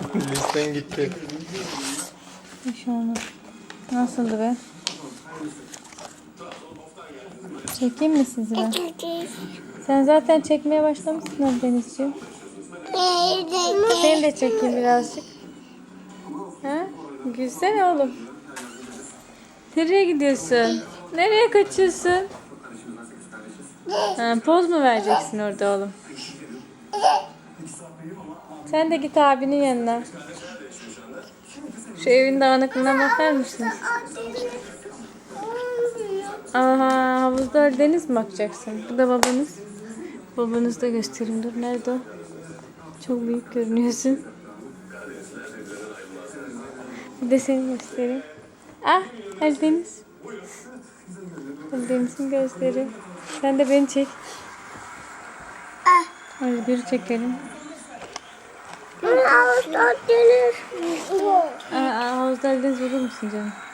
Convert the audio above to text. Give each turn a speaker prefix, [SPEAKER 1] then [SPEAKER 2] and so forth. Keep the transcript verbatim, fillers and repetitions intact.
[SPEAKER 1] Listen gitti.
[SPEAKER 2] Şu an nasıldı be? Çekeyim mi sizi ben? Sen zaten çekmeye başlamışsın hadi Denizciğim. Seni de çekeyim birazcık. Ha? Gülsene oğlum. Nereye gidiyorsun? Nereye kaçıyorsun? Ha, poz mu vereceksin orada oğlum? Sen de git abinin yanına. Şu evin dağınıklığına bakar mısınız? Aha, havuzda deniz mi bakacaksın? Bu da babanız. Babanızı da göstereyim. Dur, nerede o? Çok büyük görünüyorsun. Bir de seni göstereyim. Ah, Ali Deniz. Ali Deniz'in gözleri. Sen de beni çek. Hadi bir çekelim.
[SPEAKER 3] Havuzda deniz.
[SPEAKER 2] Aa, havuzda Ali Deniz olur musun canım?